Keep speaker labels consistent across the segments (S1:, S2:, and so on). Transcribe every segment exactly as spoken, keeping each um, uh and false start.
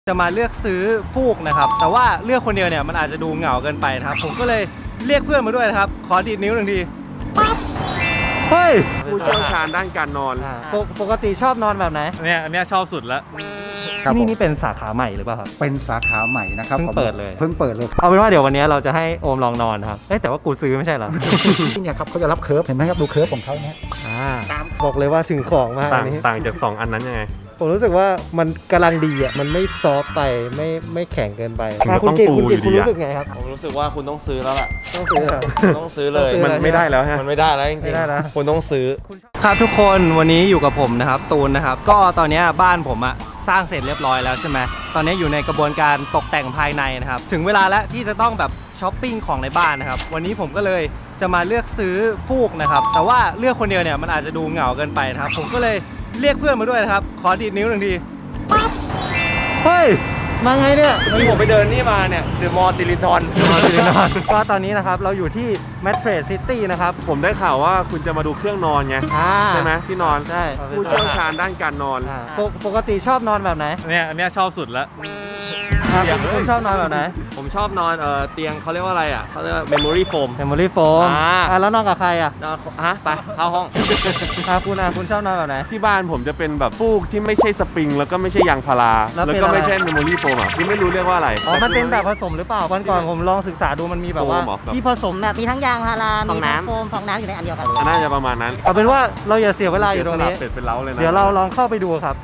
S1: จะมาเลือกซื้อฟูกนะครับแต่ว่าเลือกคนเดียวเนี่ยมันอาจจะดูเหงาเกินไปนะครับผมก็เลยเรียกเพื่อนมาด้วยนะครับขอดีดนิ้วหนึ่งทีปั๊บเฮ้ย
S2: ผู้เชี่ยวชาญด้านการนอน
S1: ปกปกติชอบนอนแบบไหน
S3: เนี่ยอันนี้ชอบสุดแล้ว
S1: ที่นี่นี่เป็นสาขาใหม่หรือเปล่าครับ
S4: เป็นสาขาใหม่นะครับ
S1: เพิ่งเปิดเลย
S4: เพิ่งเปิดเลย
S1: เอาเป็นว่าเดี๋ยววันนี้เราจะให้โอมลองนอนครับเอ๊ะแต่ว่ากูซื้อไม่ใช่เหรอ
S4: ที่เนี่ยครับเขาจะรับเคิร์ฟเห็นไหมครับดูเคิร์ฟของเขาเนี่ย
S1: บอกเลยว่าถึงของมาก
S2: ต่าง
S1: อันนี้
S2: ต่างจากสองอันนั้นยังไง
S1: ผมรู้สึกว่ามันกำลังดีอ่ะมันไม่ซอฟไปไม่ไม่แข็งเกินไป
S2: คุณกิตคุณกิตคุณรู้สึก
S1: ไงครับ
S5: ผมรู้สึกว่าคุณต้องซื้อแล้วล่ะ
S1: ต้องซื้อ
S5: ต้องซื้อเลย
S2: มันไม่ได้แล้วฮะ
S5: มันไม่ได้แล้วจริง
S1: ไม่ได้นะ
S5: ๆคุณต้องซื้อ
S1: ครับทุกคนวันนี้อยู่กับผมนะครับตูนนะครับก็ตอนนี้บ้านผมอะสร้างเสร็จเรียบร้อยแล้วใช่ไหมตอนนี้อยู่ในกระบวนการตกแต่งภายในนะครับถึงเวลาแล้วที่จะต้องแบบช้อปปิ้งของในบ้านนะครับวันนี้ผมก็เลยจะมาเลือกซื้อฟูกนะครับแต่ว่าเลือกคนเดียวเนี่ยมันอาจจะดูเหงาเกินไปนะครับผมก็เลยเรียกเพื่อนมาด้วยนะครับขอดีดนิ้วหนึ่งทีปั๊บเฮ้ยมาไงเนี่ย
S3: ที่ผมไปเดินนี่มาเนี่ยเดอะมอลล์ซิลิทอน
S1: ก็ตอนนี้นะครับเราอยู่ที่แมทเทรสซิตี้นะครับ
S2: ผมได้ข่าวว่าคุณจะมาดูเครื่องนอนไงใช่ไหมที่นอน
S1: ใช่
S2: ผู้เชี่ยวชาญด้านการนอน
S1: ปกติชอบนอนแบบไหน
S3: เนี่ยอันนี้ชอบสุดแล้ว
S1: คุณชอบนอนแบบไหน
S5: ผมชอบนอนเออเตียงเขาเรียกว่าอะไรอ่ะเขาเรียกว่าเมมโมรี่โฟม
S1: เมมโมรี่โฟมอ่าแล้วนอนกับใครอ่ะ
S5: นอนฮะไปเข้าห้อง
S1: อ่าคุณอ่ะคุณชอบนอนแบบไหน
S2: ที่บ้านผมจะเป็นแบบฟูกที่ไม่ใช่สปริงแล้วก็ไม่ใช่ยางพาราแล้วก็ไม่ใช่เมมโมรี่โฟมอ่ะที่ไม่รู้เรียกว่าอะไร
S1: อ๋อมันเป็นแบบผสมหรือเปล่าวันก่อนผมลองศึกษาดูมันมีแบบว่าที่ผสม
S6: แบบมีทั้งยางพารามีทั้งโฟมฟองน้ำอยู่ในอันเดียวกัน
S2: น่าจะประมาณนั้น
S1: เอาเป็นว่าเราอย่าเสียเวลาอยู่ตรงนี้
S2: เป็ดเป็นเล้าเลยนะ
S1: เดี๋ยวเราลองเข้าไปดูครับ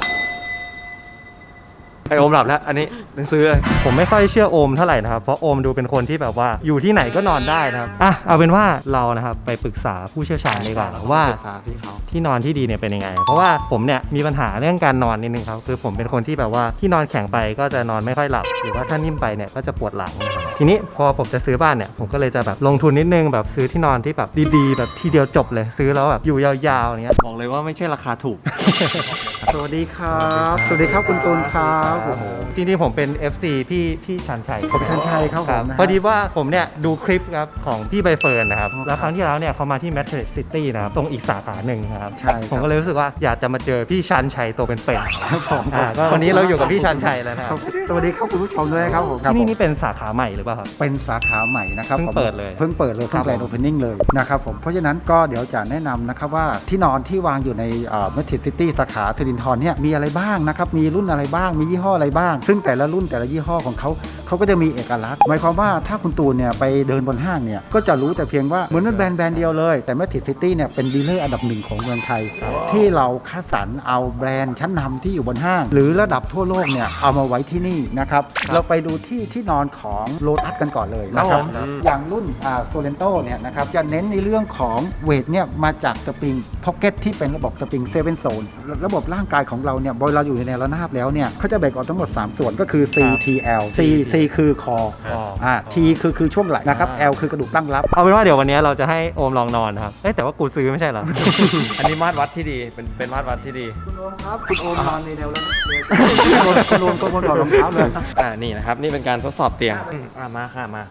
S5: ไอโอมหลับแล้วอันนี้ต้องซื้อเลย
S1: ผมไม่ค่อยเชื่อโอมเท่าไหร่นะครับเพราะโอมดูเป็นคนที่แบบว่าอยู่ที่ไหนก็นอนได้นะครับอ่ะเอาเป็นว่าเรานะครับไปปรึกษาผู้เชี่ยวชาญดีกว่าว่าที่นอนที่ดีเนี่ยเป็นยังไงเพราะว่าผมเนี่ยมีปัญหาเรื่องการนอนนิดนึงครับคือผมเป็นคนที่แบบว่าที่นอนแข็งไปก็จะนอนไม่ค่อยหลับหรือว่าถ้านิ่มไปเนี่ยก็จะปวดหลังทีนี้พอผมจะซื้อบ้านเนี่ยผมก็เลยจะแบบลงทุนนิดนึงแบบซื้อที่นอนที่แบบดีๆแบบทีเดียวจบเลยซื้อแล้วแบบอยู่ยาวๆอย่างเงี้ย
S5: บอกเลยว่าไม่ใช่ราคาถูก
S4: สวัสดีครับสวัสดีครับคุณตูนครับ
S1: จริงๆผมเป็น เอฟ ซี พี่พี่ชันชัย
S4: ผมชันชัยครับผม
S1: พอดีว่าผมเนี่ยดูคลิปครับของพี่ใบเฟิร์นนะครับแล้วครั้งที่แล้วเนี่ยเขามาที่ Matrix City นะครับตรงอีกสาขาหนึ่งนะครับ
S4: ใช่
S1: ผมก็เลยรู้สึกว่าอยากจะมาเจอพี่ชันชัยตัวเป็นๆครับผมก็วันนี้เราอยู่กับพี่ชันชัยแล้วนะครับ
S4: สวัสดีครับคุณผู้ชมด้วยครับผม
S1: ที่นี่นี่เป็นสาขาใหม่หรือเปล่าครับ
S4: เป็นสาขาใหม่นะครับ
S1: เพิ่งเปิดเลย
S4: เพิ่งเปิดเลยเพิ่งแกรนด์โอเพนนิ่งเลยนะครับผมเพราะฉะนั้นก็เดี๋ยวจะแนะนำนะครับว่าที่นอนที่วางอยู่ใน Matrix City สาขาสิรินธรเนี่ยมีอะไรบ้างนะครับมีรุ่นอะไรบ้างมียี่ห้ออะไรบ้างซึ่งแต่ละรุ่นแต่ละยี่ห้อของเขาเขาก็จะมีเอกลักษณ์หมายความว่าถ้าคุณตูนเนี่ยไปเดินบนห้างเนี่ยก็จะรู้แต่เพียงว่าเหมือนเป็นแบรนด์แบรนด์เดียวเลยแต่ Matrix City เนี่ยเป็นดีลเลอร์อันดับหนึ่งของเมืองไทยที่เราคัดสรรเอาแบรนด์ชั้นนำที่อยู่บนห้างหรือระดับทั่วโลกเนี่ยเอามาไว้ที่นี่นะครับเราไปดูที่ที่นอนของโลตัสกันก่อนเลยนะครับอย่างรุ่นอ่าโซเลนโตเนี่ยนะครับจะเน้นในเรื่องของเวทเนี่ยมาจากสปริงพ็อกเก็ตที่เป็นระบบสปริงเซเว่นโซนระบบร่างกายของเราเนี่ยพอเราอยู่ในแนวระนาบแล้วเนี่ยเขาจะแบ่งออกทั้งหมดสามส่วนก็คือ C T L C C คือคออ่า T คือคือช่วงไหล่นะครับ L คือกระดูกตั้งรับ
S1: เอาเป็นว่าเดี๋ยววันนี้เราจะให้โอมลองนอนครับเอ๊ะแต่ว่ากูซื้อไม่ใช่เหรอ
S5: อันนี้มาตรวัดที่ดีเป็นเป็นมาตรวัดที่ดี
S4: คุณโอมครับคุณโอมนอนในแนวแล้วคุณโอมก็ควรถอดรองเท้าเลย
S5: อ่านี่นะครับนี่เป็นการทดสอบเตียงอ่ามาค่ะมา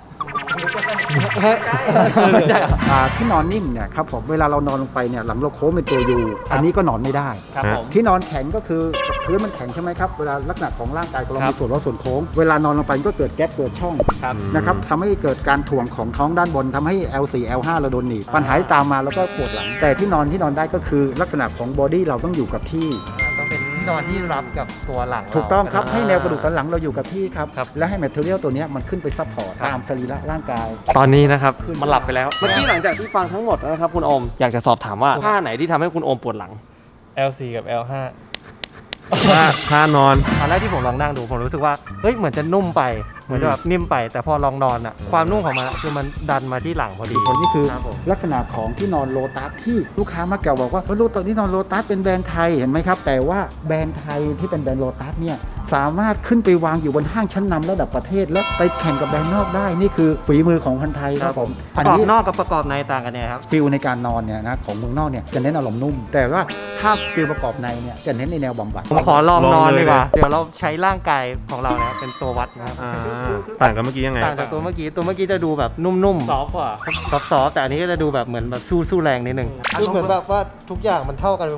S4: ที่นอนนิ่มเนี่ยครับผมเวลาเรานอนลงไปเนี่ยหลังเราโค้งเป็นตัวยูอันนี้ก็นอนไม่ได้ที่นอนแข็งก็คือพื้นมันแข็งใช่ไหมครับเวลาลักษณะของร่างกายของเรามีส่วนลดส่วนโค้งเวลานอนลงไปก็เกิดแก๊ปเกิดช่องนะครับทำให้เกิดการถ่วงของท้องด้านบนทำให้ แอล โฟร์ แอล ไฟว์ เราโดนหนีบปัญหาตามมาแล้วก็ปวดหลังแต่ที่นอนที่นอนได้ก็คือลักษณะของบอดี้เราต้องอยู่กับที่
S1: ต้องเป็นที่นอนที่รับกับตัวหลัง
S4: ถูกต้องครับให้แนวกระดูกสันหลังเราอยู่กับที่ครับและให้แมทเทอเรียลตัวนี้มันขึ้นไปซัพพอร์ตตามสรีระร่างกาย
S5: ตอนนี้นะครับมันหลับไปแล้วเมื่อกี้หลังจากที่ฟังทั้งหมดนะครับคุณโอมอยากจะสอบถามว่าท่าไหนที่ทำให้คุณโอมปวดหลัง
S3: แอล โฟร์ กับ แอล ไฟว์
S2: ท่านอน
S1: ตอนแรกที่ผมลองนั่งดูผมรู้สึกว่าเฮ้ยเหมือนจะนุ่มไปเหมือนจะแบบนิ่มไปแต่พอลองนอนอ่ะความนุ่มของมันคือมันดันมาที่หลังพอดี
S4: คนนี่คือลักษณะของที่นอนโลตัสที่ลูกค้ามักจะบอกว่าว่าตอนที่นอนโลตัสเป็นแบรนด์ไทยเห็นไหมครับแต่ว่าแบรนด์ไทยที่เป็นแบรนด์โลตัสเนี่ยสามารถขึ้นไปวางอยู่บนห้างชั้นนำระดับประเทศแล้วไปแข่งกับแบรนด์นอกได้นี่คือฝีมือของคนไทยครับผม
S1: ประกอบนอกกับประกอบในต่างกันเนี่ยครับ
S4: ฟิลในการนอนเนี่ยนะของเมืองนอกเนี่ยจะเน้นอารมณ์นุ่มแต่ว่าถ้าฟิลประกอบในเนี่ยจะเน้นในแนวบำบัด
S1: ผมขอลองนอนดีกว่าเดี๋ยวเราใช้ร่างกายของเราเนี่ยเป็นตัววัดนะครับ
S2: ต่างกันเมื่อกี้ยังไง
S1: ต่างจากตัวเมื่อกี้ตัวเมื่อกี้จะดูแบบนุ่มๆ
S3: ซอฟต์กว่า
S1: ซอฟต์ๆแต่อันนี้ก็จะดูแบบเหมือนแบบสู้สู้แรงนิดนึงคือเหมือนแบบว่าทุกอย่างมันเท่ากันไปหมด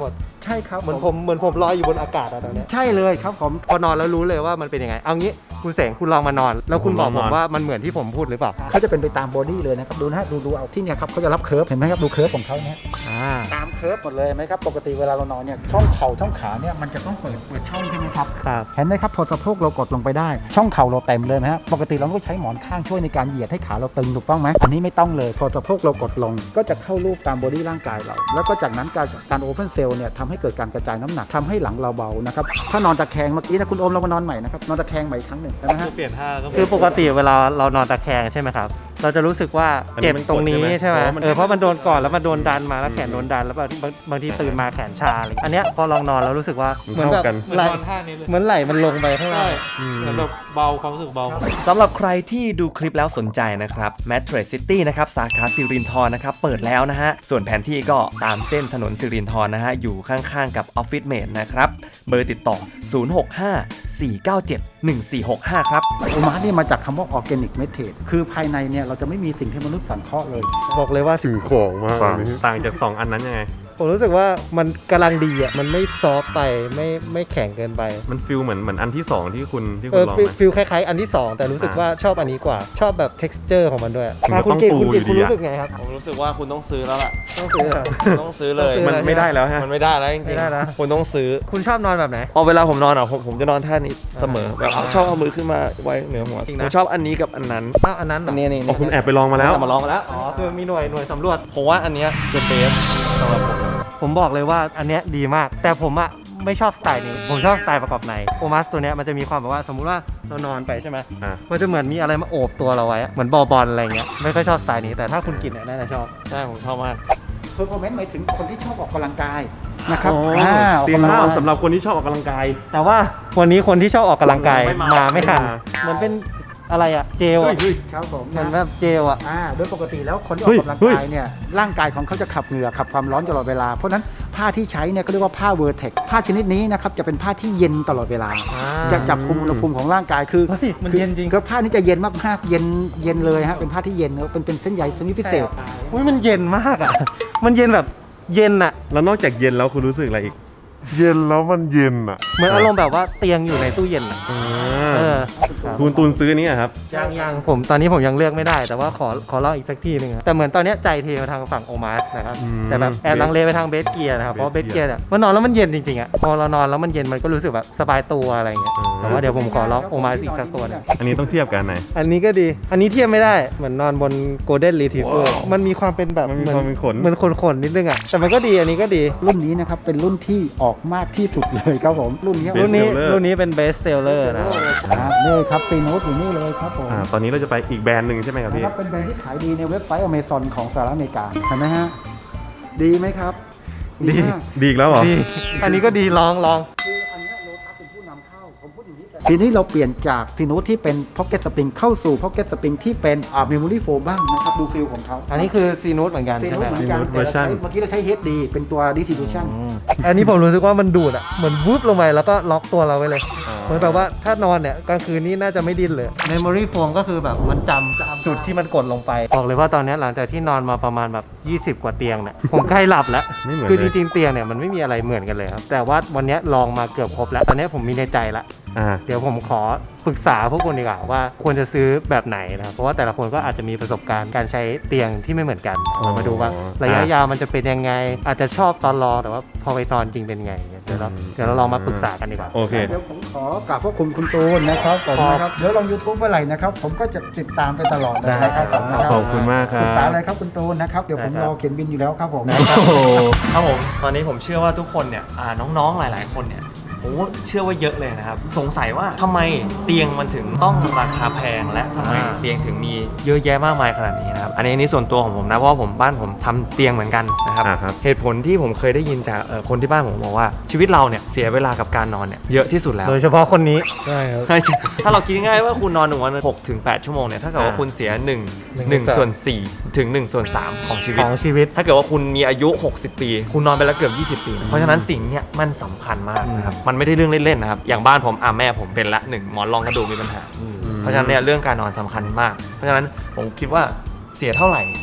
S4: ใช่ครับ
S1: เหมือนผมเหมือนผมลอยอยู่บนอากาศอะตอนเนี้ย
S4: ใช่เลยครับผม
S1: พอนอนแล้วรู้เลยว่ามันเป็นยังไงเอางี้คุณเสงคุณลองมานอน แล้วคุณบอกผมว่ามันเหมือนที่ผมพูดหรือเปล่า
S4: เขาจะเป็นไปตามบอดี้เลยนะครับดูนะฮะดูดูเอาที่เนี่ยครับเขาจะรับเคิร์ฟเห็นไหมครับดูเคิร์ฟของเขาเนี่ย
S1: อ่า
S4: ตามเคิร์ฟหมดเลยไหมครับปกติเวลาเรานอนเนี่ยช่องเข่าช่องขาเนี่ยมันจะต้องเปิดเปิดช่องใช่ไหมครับ
S1: ครับ
S4: เห็นไหมครับพอสะโพกเรากดลงไปได้ช่องเข่าเราเต็มเลยนะฮะปกติเราต้องใช้หมอนข้างช่วยในการเหยียดให้ขาเราตึงถูกต้องไหมอันนี้ไม่ต้องเลยพอสะโพกเรากดลงก็จะเข้ารูปตามบอดี้ร่างกายเราแล้วก็จากนั้นการการโอเพนเซลเนี่ยทำให้เกิดการกระจายน้ำหนักทำให้หลังเราเบานะครับถ้านอนตะแคงเมื่อกี้นะคุณโอมเรามานอนใหม่นะครับนอนตะแคงใหม่อีกครั้งหนึ่งนะฮะ
S3: เปลี่ยนท่าก็
S1: คือปกติเวลาเรานอนตะแคงใช่ไหมครับ เราจะรู้สึกว่า
S3: อันนี้
S1: เจ็บ
S3: มันกด
S1: ตรงนี้
S3: ใช่ไหม
S1: ใช่ไหม
S3: เพราะว่ามัน
S1: เออเพราะมันโดนก่อนแล้วมันโดนดันมาแล้วแขนโดนดันแล้วบางทีบางบางทีตื่นมาแขนชาอะไรอันเนี้ยพอลองนอนแล้วรู้สึกว่า
S3: มัน
S1: เหมือนแบบ
S3: เข้ากัน
S1: ไหล
S3: นอนท่านี้เลย
S1: เหมือนไหลมันลงไปข้างล่าง
S3: เหมือนแบบเบาความรู้สึกเบา
S7: สำหรับใครที่ดูคลิปแล้วสนใจนะครับ Mattress City นะครับสาขาสิรินธรนะครับเปิดแล้วนะฮะส่วนแผนที่ก็ตามเส้นถนนสิรินธรนะฮะอยู่ข้างๆกับ Office Mate นะครับเบอร์ติดต่อ ศูนย์ หก ห้า สี่ เก้า เจ็ด หนึ่ง สี่ หก ห้า ครับ
S4: โอมาเนี่ยมาจากคำว่าออร์แกนิกเมทดคือภายในเนี่ยเราจะไม่มีสิ่งที่มนุษย์สังเคราะห์เลย
S1: บอกเลยว่า
S2: ถึงของมาก
S3: ต่าง
S2: เลย
S3: ต่างจากสองอันนั้นยังไง
S1: ผมรู้สึกว่ามันกำลังดีอ่ะมันไม่ซอฟต์ไปไม่ไม่แข็งเกินไป
S3: มันฟิลเหมือนเหมือนอันที่สองที่คุณที่
S1: เอ
S3: คุณ
S1: อ
S3: ลอง
S1: ฟิล
S3: ไหม
S1: ฟิลคล้ายๆ อันที่สองแต่รู้สึก
S3: อ่า
S1: ว่าชอบอันนี้กว่า ชอบแบบ texture ของมันด้วย
S3: ถึงกับ
S1: คุณ
S3: ต้อง
S1: กิต
S3: ปู
S1: คุณกิต
S3: อยู่
S1: คุณ
S3: ดี
S1: รู้
S3: อะ
S1: สึกไงครับ
S5: ผมรู้สึกว่าคุณต้องซื้อแล้วล่ะ
S1: ต้องซื้อเหรอ
S5: ต้องซื้อเลย
S1: ต้องซื้อ
S3: มันไม่ได้แล้วฮะ
S5: มันไม่ได้แล้วจริง
S1: ไม่ได้นะ
S5: ๆคุณต้องซื้อ
S1: คุณชอบนอนแบบไหน
S5: เอาเวลาผมนอนอ่ะผมผมจะนอนท่านี้เสมอแบบเอาชอบเอามือขึ้นมาไว้เหนือหัว
S1: จริง
S5: ผ
S1: นะ
S5: มชอบอันนี้กับอันนั้น
S1: อ้าวอันนั้นเหร
S5: อั
S1: อน
S5: นี้นี่
S3: อ๋อคุณแอบไปลองมาแล้ว
S5: มาลองมาแล้ว
S1: อ๋อคือมีหน่วยหน่วยสำรวจ
S5: ผมว่าอันเนี้ยเป็นเบสสำหรับผม
S1: ผมบอกเลยว่าอันเนี้ยดีมาก แต่ผมอะไม่ชอบสไตล์นี้ ผมชอบสไตล์ประกอบในโอมัสตัวเนี้ยมันจะมีความแบบว่าสมมุติว่าเรานอนไปใช่ไหม
S3: อ่ะ
S1: มันจะเหมือนมีอะไรมาโอบตัวเราไว้อะเหมือนบอลบอลอะไรเงี้ยไม่ค่อยชอบสไตล์นี้แต่ถ้าคุณกินเนี่ยน่าจะชอบ
S5: ใช่ผมชอบมาก
S4: เพอร์ฟอร์แมนซ์หมายถึงคนที่ชอบออกกำลังกายนะครับ
S3: อ๋อ
S4: อ่าออก
S3: เตียง
S4: กำลัง
S3: ผ้าก
S4: าย
S3: สำหรับคนที่ชอบออกกำลังกาย
S1: แต่ว่าวันนี้คนที่ชอบออกกำลังกาย
S3: ไม่มา
S1: มาไม่ทัน
S3: ไม่มา
S1: เหมือนเป็นอะไรอะเจลอะ
S4: ครับผม
S1: เหมือน
S4: นะ
S1: แบบเจลอะ
S4: อ่าโดยปกติแล้วคนที่อ
S3: เฮ้
S4: อก
S3: ย
S4: กำลัง
S3: เฮ้ย
S4: กายเนี่ยร่างกายของเขาจะขับเหงื่อขับความร้อนตลอดเวลา เพราะฉะนั้นผ้าที่ใช้เนี่ยก็เรียกว่าผ้าเวอร์เทคผ้าชนิดนี้นะครับจะเป็นผ้าที่เย็นตลอดเวลา จะจับคุมอุณหภูมิของร่างกายคือ
S1: เฮ้ยมัน
S4: คือ
S1: เย็นจริง
S4: ก็ผ้านี้จะเย็นมากๆเย็นเย็นเลยฮะเป็นผ้าที่เย็นเป็นเป็นเส้นใยชนิดพิเศษ
S1: อุ้ยมันเย็นมากอะมันเย็นแบบเย็นอะ
S3: แล้วนอกจากเย็นแล้วคุณรู้สึกอะไรอีก
S2: เย็นแล้วมันเย็นอ่ะ
S1: เหมือนอารมณ์แบบว่าเตียงอยู่ในตู้เย็นอะเออ
S3: คุณตูนซื้ออันนี้อะครับ
S1: ยังยังผมตอนนี้ผมยังเลือกไม่ได้แต่ว่าขอขอลองอีกสักทีหนึงอะแต่เหมือนตอนเนี้ยใจเทมาทางฝั่งโอมาสนะครับ
S3: อืม
S1: แต่แบบแอบลังเลไปทางเบสเกียร์นะครับเพราะเบส
S3: Base
S1: เกียร์เนี่ยมันนอนแล้วมันเย็นจริงๆอ่ะพอเรานอนแล้วมันเย็นมันก็รู้สึกแบบสบายตัวอะไรเงี้ย
S3: อืม
S1: แต่ว่าเดี๋ยวผมขอลองโอมาสอีกสักตัวหนึง
S3: อันนี้ต้องเทียบกันไหน
S1: อันนี้ก็ดี อันนี้เทียบไม่ได้เหมือนนอนบนโกลเด้นรีทรีเวอร์มันมีความเป็นแบบ
S3: มันมีความเป็นขน
S1: เหมือนขนๆนิดนึงอ่ะแต่มันก็ดีอันนี้ก็ดี
S4: รุ่นนี้นะครับเป็นรุ่นที่ออกมากที่สุดเลยครับผมรุ่นนี้
S3: Best
S1: รุ่นนี้
S3: seller
S1: รุ่นนี้เป็นเบสเซลเลอร์นะครับ
S4: อ่านี่ครับฟีโนตอยู่นี่เลยครับผม
S3: อ่าตอนนี้เราจะไปอีกแบรนด์หนึ่งใช่ไหมครับ
S4: นะ
S3: พี่
S4: ครับเป็นแบรนด์ที่ขายดีในเว็บไซต์อเมซอนของสหรัฐอเมริกาเห็นไหมฮะดีไหมครับ
S1: ดี
S4: มาก
S3: ดีอีกแล้วเหรอ
S1: ดีอันนี้ก็ดีลองลอง
S4: คืออันเนี้โลตัสเป็นผู้นำเข้าผมพูดอย่างนี้แต่ทีนี้เราเปลี่ยนจากฟีโนตที่เป็นพ็อกเก็ตสปริงเข้าสู่พ็อกเก็ตสปริงที่เป็นอ่าเมมโมรี่โฟมบ้างนะครับดูฟิลของเขา
S1: อันนี้คือซีนูตเหมือนกัน
S4: ฟี
S1: ใช่
S4: โน
S1: ไหม
S4: ตเหมือนกัน
S3: Synode
S4: แต่เราใช้
S3: version
S4: เมื่อกี้เราใช้ เอช ดี เป็นตัว distribution
S1: อันนี้ผมรู้สึกว่ามันดูดอ่ะเหมือนวูบลงไปแล้วก็ล็อกตัวเราไว้เลย เหมือนแบบว่าถ้านอนเนี่ยกลางคืนนี้น่าจะไม่ดิ้นเลย Memory Foam ก็คือแบบมันจำจุดที่มันกดลงไป บอกเลยว่าตอนนี้หลังจากที่นอนมาประมาณแบบยี่สิบกว่าเตียงเนี่ย ผมใกล้หลับแล้ว
S3: ไม่เหมือน
S1: คือ
S3: เล
S1: จ
S3: ย
S1: ริงๆเตียงเนี่ยมันไม่มีอะไรเหมือนกันเลยครับ แต่ว่าวันนี้ลองมาเกือบครบแล้ว ตอนนี้ผมมีในใจละ
S3: อ่า
S1: เดี๋ยวผมขอปรึกษาพวกคุณดีกว่าว่าควรจะซื้อแบบไหนนะครับเพราะว่าแต่ละคนก็อาจจะมีประสบการณ์การใช้เตียงที่ไม่เหมือนกันเรามาดูว่าระยะยาวมันจะเป็นยังไง อาจจะชอบตอนรอแต่ว่าพอไปนอนจริงเป็นไงเดี๋ยวเราเดี๋ยวเราลองมาปรึกษากันดีกว่า
S3: โอเค
S4: เดี๋ยวผมขอกราบพระคุณคุณตูนนะครับผมนะครับเดี๋ยวลง YouTube เมื่อไหร่นะครับผมก็จะติดตามไปตลอดเลยนะครับผมนะครั
S3: ขอบคุณมากครั
S4: ปรึกษา
S3: บ
S4: อะไรครับคุณตูนนะครับเดี๋ยวผม
S1: ได้ครับ
S4: รอเขียนบินอยู่แล้วครับผม
S3: โอ้โห
S5: ครับผมตอนนี้ผมเชื่อว่าทุกคนเนี่ยอ่าน้องๆหลาย ๆ คนเนี่ยผมว่าเชื่อว่าเยอะเลยนะครับสงสัยว่าทำไมเตียงมันถึงต้องราคาแพงและทำไม
S1: อ่า
S5: เตียงถึงมีเยอะแยะมากมายขนาดนี้นะครับอันนี้อันนี้ส่วนตัวของผมนะเพราะว่าผมบ้านผมทำเตียงเหมือนกันนะครับ
S3: อ่าครับ
S5: เหตุผลที่ผมเคยได้ยินจากเอ่อคนที่บ้านผมบอกว่าชีวิตเราเนี่ยเสียเวลากับการนอนเนี่ยเยอะที่สุดแล้ว
S1: โดยเฉพาะคนนี้ใช่ครับ
S5: ใช่ถ้าเราคิดง่ายๆว่าคุณนอนหนึ่งวันหกถึงแปดชั่วโมงเนี่ยถ้าเกิดว่า
S1: อ่า
S5: คุณเสียหนึ่ง
S1: หนึ่ง
S5: หนึ่ง
S1: ส่วน
S5: ส่วนสี่ถึงหนึ่งส่วนสามของชีวิต
S1: ของชีวิต
S5: ถ้าเกิดว่าคุณมีอายุ หกสิบ ปี คุณนอนไปแล้วเกือบ ยี่สิบ ปี เพราะฉะนั้นสิ่งเนี้ยมันสำคัญมากนะครับ มันไม่ได้เรื่องเล่นๆนะครับ อย่างบ้านผมอ่ะแม่ผมเป็นละหนึ่งหมอนรองกระดูกมีปัญหา เพราะฉะนั้นเนี่ยเรื่องการนอนสำคัญมาก เพราะฉะนั้นผมคิดว่าเสียเท่าไหร่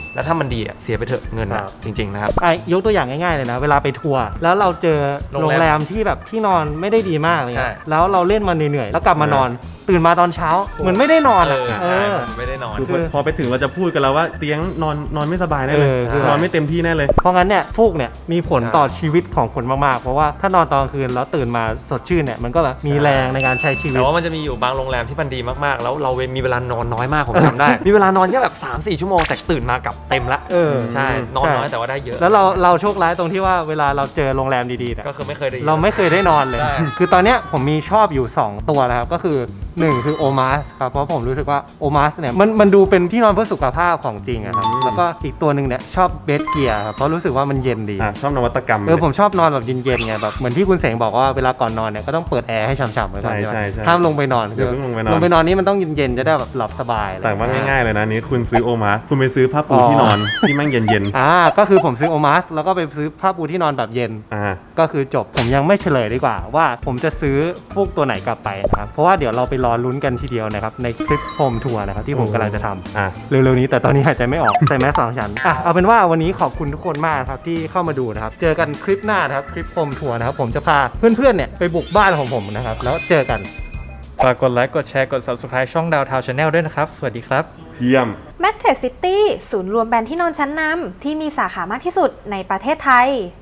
S5: แล้วถ้ามันดีอ่ะเสียไปเถอะเงิน
S1: ครั
S5: นะ
S1: บ
S5: จริงๆนะครับ
S1: อ่ะยกตัวอย่างง่ายๆเลยนะเวลาไปทัวร์แล้วเราเจอ
S5: โร
S1: โรง ง
S5: แรม
S1: แรมที่แบบที่นอนไม่ได้ดีมากเลย
S5: ใช่
S1: แล้วเราเล่นมาเหนื่อยๆแล้วกลับมานอน ตื่นมาตอนเช้าเหมือนไม่ได้นอน
S5: เอ
S1: อ่ะ
S5: อ
S1: เอ
S5: ใช่
S1: อ
S5: มันไม่ได้นอน
S3: คือ
S1: คือ
S3: พอไปถึงเราจะพูดกันแล้วว่าเตียงนอนนอนไม่สบายแน่เลย
S1: เออคือ
S3: นอนไม่เต็มที่แน่เลย
S1: เพราะงั้นเนี่ยฟูกเนี่ยมีผล
S5: ใช่
S1: ต่อชีวิตของคนมากๆเพราะว่าถ้านอนตอนกลางคืนแล้วตื่นมาสดชื่นเนี่ยมันก็แบบมีแรงในการใช้ชีวิ
S5: แต่
S1: ต
S5: ว่ามันจะมีอยู่บางโรงแรมที่มันดีมากๆ แล้วเรามีเวลานอนน้อยมากผมจำได้ มีเวลานอนแค่แบบ สามสี่ ชั่วโมงแต่ตื่นมากับเต็มละ
S1: เออ
S5: ใช่นอน
S1: ใช่
S5: น้อยแต่ว่าได้เยอะ
S1: แล้วเราเราโชคร้ายตรงที่ว่าเวลาเราเจอโรงแรมดีๆเนี่ย
S5: ก็คือไม่เคยได้
S1: เราไม่เคยได้นอนเลย
S5: ใช่
S1: คือตอนเนี้ยผมมีชอบอยู่ สอง ตัวนะครับ ก็คือ หนึ่ง คือโอมาสครับ เพราะผมรู้สึกว่าโอมาสเนี่ยมันมันดูเป็นที่นอนเพื่อสุขภาพของจริงอะครับ
S3: อืม
S1: แล้วก็อีกตัวหนึ่งเนี่ยชอบเบดเกียร์ครับ เพราะรู้สึกว่ามันเย็นดี
S3: อ่ะชอบนวัตกรรม
S1: เออผมชอบนอนแบบเย็นๆไงแบบเหมือนที่คุณเสงบอกว่าเวลาก่อนนอนเนี่ยก็ต้องเปิดแอร์ให้ฉ่ำๆไว้ก่อน
S3: ใช่
S1: ใช่ไหม
S3: ใช่ใช่
S1: ห้ามลงไปนอน
S3: อย่าเพิ่งลงไปนอน
S1: ลงไปนอนนี่มันต้องเย็นๆจะได้แบบหลับสบายอะไร
S3: แต่ว่าง่ายๆเลยนะนี้คุณซื้อโอมาคุณไปซื้อผ้าปู
S1: อ๋อ
S3: ที่นอนที่แม่งเย็น
S1: อ่าก็คือผมซื้อโอมาสแล้วก็ไปซื้อผ้าปูที่นอนแบบเย็น
S3: ๆอ่า
S1: ก็คือจบผมยังไม่เฉลยดีกว่าว่าผมจะซื้อฟูกตัวไหนกลับไปนะครับเพราะว่าเดี๋ยวเราไปรอลุ้นกันทีเดียวนะครับในคลิปโฮมทัวร์นะครับที่ผมกำลังจะทำ
S3: อ่ะ
S1: เร็วๆนี้แต่ตอนนี้หายใจไม่ออก ใส่แมสสองชั้นอ่ะเอาเป็นว่าวันนี้ขอบคุณทุกคนมากครับที่เข้ามาดูนะครับเจอกันคลิปหน้านะครับคลิปโฮมทัวร์นะครับผมจะพาเพื่อนๆเนี่ยไปบุกบ้านของผมนะครับแล้วเจอกัน
S8: ฝากกดไลค์กดแชร์กด Subscribe ช่องดาวทาวชาแนลด้วยนะครับ สวัสดีครับ
S3: เยี่ยม
S9: แมทเทรดซิตี้ศูนย์รวมแบรนด์ที่นอนชั้นนำที่มีสาขามากที่สุดในประเทศไทย